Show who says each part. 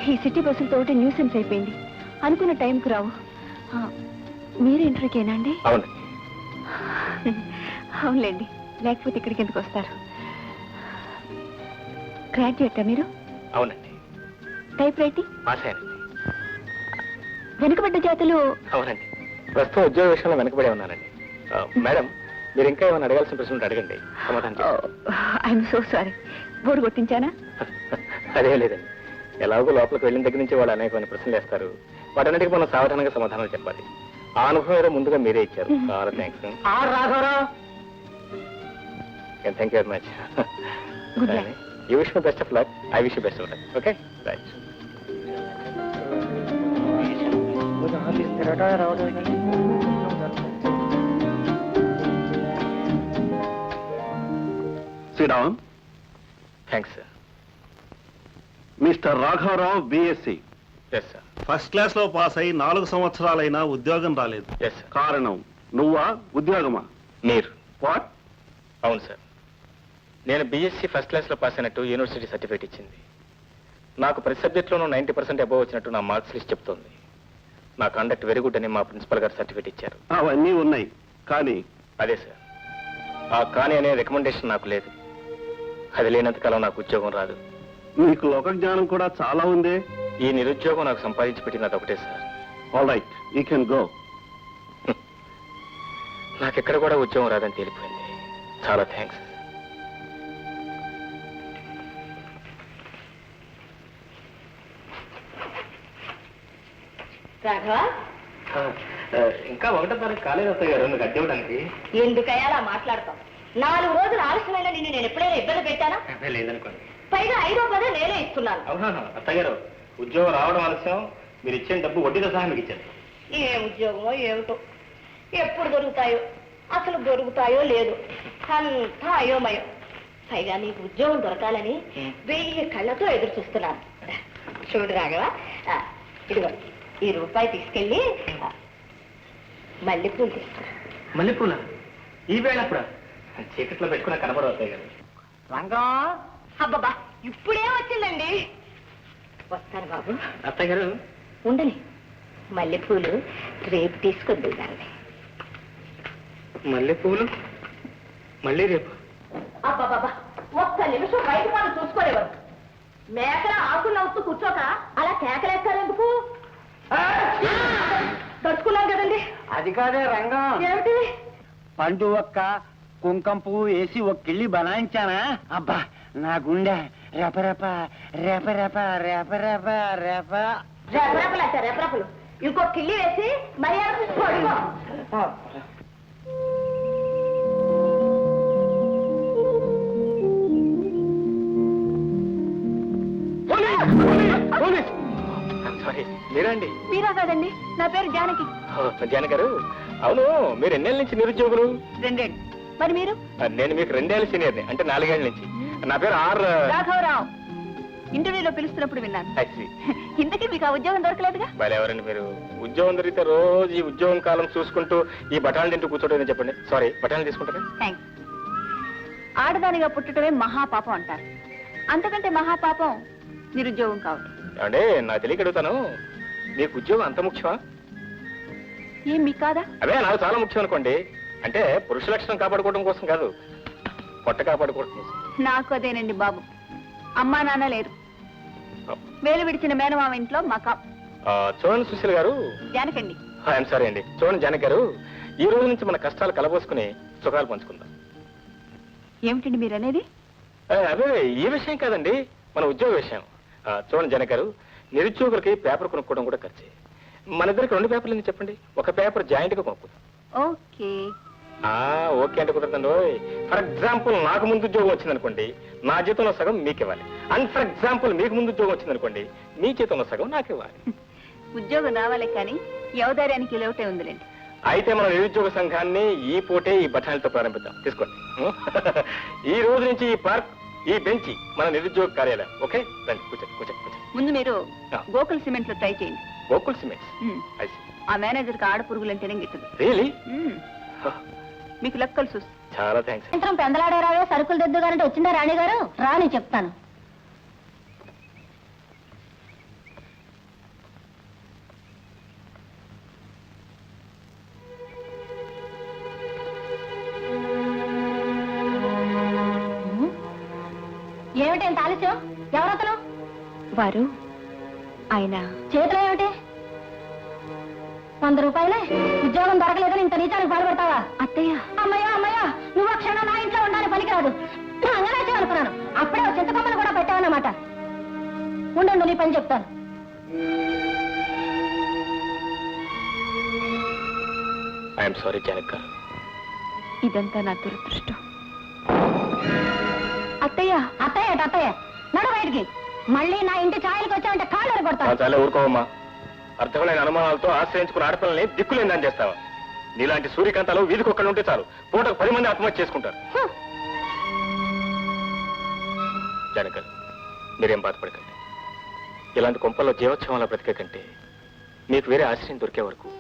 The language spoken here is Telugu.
Speaker 1: ఈ సిటీ బస్సులతో ఒకటి న్యూసెన్స్ అయిపోయింది. అనుకున్న టైంకు రావు. మీరు ఇంటర్వ్యూకేనా అండి?
Speaker 2: అవును.
Speaker 1: అవునులేండి, లేకపోతే ఇక్కడికి ఎందుకు వస్తారు? గ్రాడ్యుయేటా మీరు?
Speaker 2: అవునండి.
Speaker 1: Type writing? వెనుకబడ్డ జాతులు?
Speaker 2: అవునండి. ప్రస్తుతం ఉద్యోగ విషయంలో వెనకబడే ఉన్నానండి. మేడం, మీరు ఇంకా ఏమైనా అడగాల్సిన ప్రశ్నలు అడగండి, సమాధానం.
Speaker 1: I'm so sorry. బోర్డు కొట్టించానా?
Speaker 2: అదే లేదండి. ఎలాగో లోపలికి వెళ్ళిన దగ్గర నుంచి వాళ్ళు అనేకమైన ప్రశ్నలు వేస్తారు. వాటన్నిటికీ మనం సావధానంగా సమాధానాలు చెప్పాలి. ఆ అనుభవం ఏదో ముందుగా మీరే ఇచ్చారు. చాలా thanks. Thank you very much. You wish my best of luck. I wish you best of luck. Okay, right.
Speaker 3: Sit down.
Speaker 2: Thanks, sir.
Speaker 3: Mr. Raghavarao, BSc.
Speaker 2: Yes, sir.
Speaker 3: First class లో పాస్ అయి 4 సంవత్సరాలైనా ఉద్యోగం రాలేదు.
Speaker 2: Yes, sir.
Speaker 3: కారణం నువ్వా, ఉద్యోగమా?
Speaker 2: మీరు.
Speaker 3: వాట్?
Speaker 2: అవును సార్. నేను బీఎస్సీ ఫస్ట్ క్లాస్ లో పాస్ అయినట్టు యూనివర్సిటీ సర్టిఫికేట్ ఇచ్చింది. నాకు ప్రతి సబ్జెక్ట్లోనూ 90% అబోవ్ వచ్చినట్టు నా మార్క్స్ లిస్ట్ చెప్తోంది. నా కండక్ట్ వెరీ గుడ్ అని మా ప్రిన్సిపల్ గారు సర్టిఫికేట్ ఇచ్చారు.
Speaker 3: అవన్నీ ఉన్నాయి, కానీ
Speaker 2: అదే సార్, ఆ కానీ అనే రికమెండేషన్ నాకు లేదు. అది లేనంత కాలం నాకు ఉద్యోగం రాదు.
Speaker 3: నీకు లోక జ్ఞానం కూడా చాలా ఉంది.
Speaker 2: ఈ నిరుద్యోగం నాకు సంపాదించి పెట్టినది ఒకటే sir.
Speaker 3: All right, you can go.
Speaker 2: నాకెక్కడ కూడా ఉద్యోగం రాదని తేలిపోయింది. చాలా థ్యాంక్స్.
Speaker 1: రాఘవ,
Speaker 2: ఇంకా 1వ తారీఖు కాలేదు అత్తయ్య గారు నువ్వు కట్టి ఇవ్వడానికి.
Speaker 1: ఎందుకయ్యా అలా మాట్లాడతాం? 4 రోజులు ఆలస్యమైన నిన్ను నేను ఎప్పుడైనా ఇబ్బంది పెట్టానా?
Speaker 2: లేదనుకోండి.
Speaker 1: పైగా 5వ పదే నేనే ఇస్తున్నాను.
Speaker 2: అవునా అత్తయ్య గారు, ఉద్యోగం రావడం ఆలస్యం, మీరు ఇచ్చిన డబ్బు వడ్డీతో సహా మీకు ఇచ్చారు.
Speaker 1: ఏ ఉద్యోగమో ఏమిటో, ఎప్పుడు దొరుకుతాయో, అసలు దొరుకుతాయో లేదు, అంతా అయోమయం. పైగా నీకు ఉద్యోగం దొరకాలని 1000 కళ్ళతో ఎదురు చూస్తున్నాను. చూడు రాఘవ, ఇదిగో ఈ రూపాయి తీసుకెళ్ళి మల్లెపూలు తీసుకురా.
Speaker 2: మల్లెపూల ఈ వేళ అప్పుడు చీకట్లో పెట్టుకున్న కనబడవు అత్తయ్య గారు.
Speaker 1: రంగం, అబ్బబ్బా ఇప్పుడే వచ్చిందండి. వస్తాను బాబు.
Speaker 2: అత్తయ్య గారు
Speaker 1: ఉండని, మల్లెపూలు రేపు తీసుకొద్దు దాన్ని.
Speaker 2: మల్లెపూలు మళ్ళీ రేపు?
Speaker 1: అబ్బాబాబా, ఒక్క నిమిషం బయట వాళ్ళు చూసుకోలేవారు. మేకల ఆకులు నవ్వుతూ కూర్చోక అలా కేకలేస్తారెందుకు? తడుచుకున్నాం కదండి.
Speaker 4: అది కాదే రంగం,
Speaker 1: ఏమిటి?
Speaker 4: పండు ఒక్క కుంకం పువ్వు వేసి ఒక కిళ్ళి బనాయించానా, అబ్బా నా గుండె రెపరెప రెపరెప రెపరెప రెప.
Speaker 1: రెపరెపలు అంటే రెపరెపలు. ఇంకో కిళ్ళి వేసి మర్యాద పడుకో.
Speaker 2: సారీ, మీరండి?
Speaker 1: మీరా కాదండి, నా పేరు జానకి.
Speaker 2: జానకి గారు, అవును మీరు ఎన్నేళ్ళ నుంచి నిరుద్యోగులు?
Speaker 1: 2 ఏళ్ళు. మరి మీరు?
Speaker 2: నేను మీకు 2 ఏళ్ళ సీనియర్ని, అంటే 4 ఏళ్ళ నుంచి. నా పేరు
Speaker 1: రాఘవరావు. ఇంటర్వ్యూలో పిలుస్తున్నప్పుడు విన్నాను. ఇంతకీ మీకు ఆ ఉద్యోగం దొరకలేదుగా?
Speaker 2: ఎవరండి మీరు? ఉద్యోగం దొరికితే రోజు ఈ ఉద్యోగం కాలం చూసుకుంటూ ఈ బఠాలు తింటూ కూర్చోటం చెప్పండి. సారీ, బఠాలు తీసుకుంటారా?
Speaker 1: థ్యాంక్స్. ఆడదానిగా పుట్టడమే మహాపాపం అంటారు. అంతకంటే మహాపాపం నిరుద్యోగం కావడం.
Speaker 2: అంటే నాకు తెలియక అడుగుతాను, మీకు ఉద్యోగం అంత ముఖ్యమా?
Speaker 1: ఏం మీకు కాదా?
Speaker 2: అదే నాకు చాలా ముఖ్యం అనుకోండి. అంటే పురుష లక్షణం కాపాడుకోవడం కోసం కాదు, పొట్ట కాపాడుకోవడం కోసం.
Speaker 1: నాకు అదేనండి బాబు. అమ్మా నాన్న లేరు, వేలు విడిచిన మేనమామ ఇంట్లో మకాం.
Speaker 2: చూడండి సుశీల్ గారు.
Speaker 1: జానకండి.
Speaker 2: ఐఎమ్ సారీ అండి. చూడండి జానకి గారు, ఈ రోజు నుంచి మన కష్టాలు కలబోసుకుని సుఖాలు పంచుకుందాం.
Speaker 1: ఏమిటండి మీరు అనేది?
Speaker 2: అదే ఈ విషయం కాదండి, మన ఉద్యోగ విషయం. చూడండి జానకి గారు, నిరుద్యోగులకి పేపర్ కొనుక్కోవడం కూడా ఖర్చే. మన ఇద్దరికి 2 పేపర్లు ఎందుకు చెప్పండి, ఒక పేపర్ జాయింట్ గా కొనుక్కుందాం.
Speaker 1: ఓకే.
Speaker 2: ఓకే అంటే కుదరదండి. ఫర్ ఎగ్జాంపుల్ నాకు ముందు ఉద్యోగం వచ్చిందనుకోండి, నా జీతంలో సగం మీకు ఇవ్వాలి. అండ్ ఫర్ ఎగ్జాంపుల్ మీకు ముందు ఉద్యోగం వచ్చిందనుకోండి, మీ జీతంలో సగం నాకు ఇవ్వాలి.
Speaker 1: ఉద్యోగం రావాలి కానీ యవదార్యానికి లేవటే ఉందిలేండి.
Speaker 2: అయితే మన నిరుద్యోగ సంఘాన్ని ఈ పూటే ఈ బఠానీలతో ప్రారంభిద్దాం. తీసుకోండి. ఈ రోజు నుంచి ఈ పార్క్, ఈ బెంచ్ మన నిరుద్యోగ కార్యాలయం. ఓకే, రండి కూర్చోండి కూర్చోండి కూర్చోండి.
Speaker 1: ముందు మీరు గోకుల్ సిమెంట్ లో ట్రై చేయండి.
Speaker 2: గోకుల్ సిమెంట్స్?
Speaker 1: ఆ మేనేజర్ కి ఆడపురుగులంటేనే గిట్టదు.
Speaker 2: రియలీ?
Speaker 1: మీకు లెక్కలు చూసి.
Speaker 2: చాలా థ్యాంక్స్.
Speaker 1: సాయంత్రం పెందలాడారావే సరుకులు దిద్దుగారంటే వచ్చిందా రాణి గారు? రాని చెప్తాను. ఏమిటి ఇంత ఆలస్యం? ఎవరతను?
Speaker 5: వారు ఆయన
Speaker 1: చేతిలో ఏమిటి? 100 రూపాయలే. ఉద్యోగం దొరకలేదని ఇంత నీచానికి బాధపడతావా?
Speaker 5: అత్తయ్య.
Speaker 1: అమ్మయ్యా అమ్మయ్యా, నువ్వు ఆ క్షణం నా ఇంట్లో ఉండాలని పనికిరాదు. అంగనాచే అనుకున్నాను. అప్పుడే ఓ చింతకొమ్మను కూడా పెట్టావన్నమాట. ఉండు, నీ పని చెప్తాను.
Speaker 2: ఐఎమ్ సారీ జానక్ గారు.
Speaker 5: ఇదంతా నా దురదృష్టం. అత్తయ్య.
Speaker 1: అత్తయ్య నడు బయటికి. మళ్ళీ నా ఇంటి ఛాయలకు వచ్చావంటే కాళ్ళు కొడతాను.
Speaker 2: చాలా ఊరుకోవమ్మా. అర్థమైన అనుమానాలతో ఆశ్రయించుకున్న ఆడపిల్లల్ని దిక్కులేందని చేస్తావా? నీలాంటి సూర్యకాంతాలు వీధికొక్కడు ఉంటే చాలు, పూటకు 10 మంది ఆత్మహత్య చేసుకుంటారు. జానక్ గారు, మీరేం బాధపడకండి. ఇలాంటి కొంపల్లో జీవోత్సవంలో బ్రతికే కంటే మీకు వేరే ఆశ్రయం దొరికే వరకు